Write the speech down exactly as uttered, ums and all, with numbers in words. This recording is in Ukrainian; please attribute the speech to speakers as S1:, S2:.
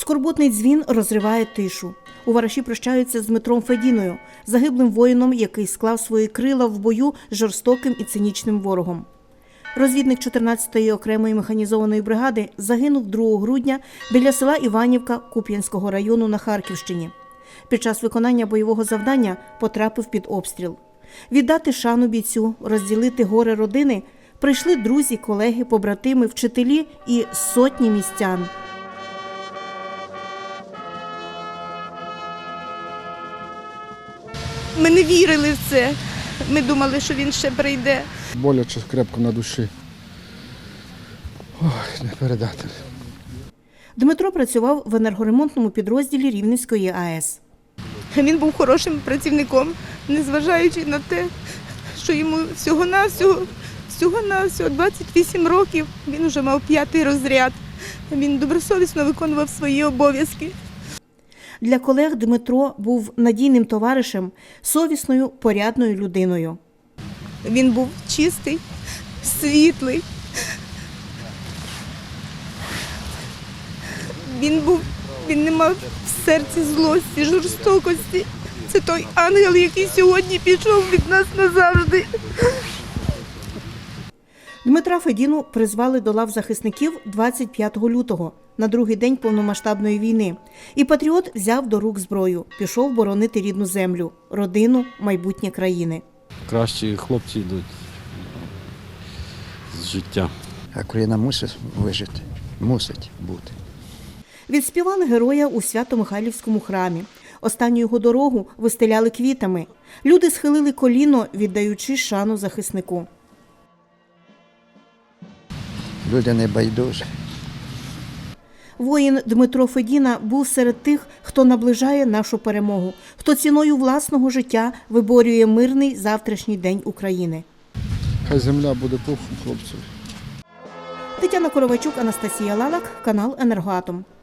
S1: Скорботний дзвін розриває тишу. У Вараші прощаються з Дмитром Федіною, загиблим воїном, який склав свої крила в бою з жорстоким і цинічним ворогом. Розвідник чотирнадцятої окремої механізованої бригади загинув другого грудня біля села Іванівка Куп'янського району на Харківщині. Під час виконання бойового завдання потрапив під обстріл. Віддати шану бійцю, розділити горе родини прийшли друзі, колеги, побратими, вчителі і сотні містян.
S2: Ми не вірили в це. Ми думали, що він ще прийде.
S3: Боляче крепко на душі. Ой, не передати.
S1: Дмитро працював в енергоремонтному підрозділі Рівненської АЕС.
S2: Він був хорошим працівником, незважаючи на те, що йому всього-навсього, всього-навсього двадцять вісім років. Він вже мав п'ятий розряд. Він добросовісно виконував свої обов'язки.
S1: Для колег Дмитро був надійним товаришем, совісною, порядною людиною.
S2: Він був чистий, світлий. Він був, він не мав в серці злості, жорстокості. Це той ангел, який сьогодні пішов від нас назавжди.
S1: Дмитра Федіну призвали до лав захисників двадцять п'ятого лютого, на другий день повномасштабної війни. І патріот взяв до рук зброю, пішов боронити рідну землю, родину, майбутнє країни.
S4: Кращі хлопці йдуть з життя.
S5: А Україна мусить вижити, мусить бути.
S1: Відспівали героя у Свято-Михайлівському храмі. Останню його дорогу вистеляли квітами. Люди схилили коліно, віддаючи шану захиснику.
S5: Люди не байдужі.
S1: Воїн Дмитро Федіна був серед тих, хто наближає нашу перемогу, хто ціною власного життя виборює мирний завтрашній день України.
S3: Хай земля буде пухом хлопців.
S1: Тетяна Коровайчук, Анастасія Лалак, канал «Енергоатом».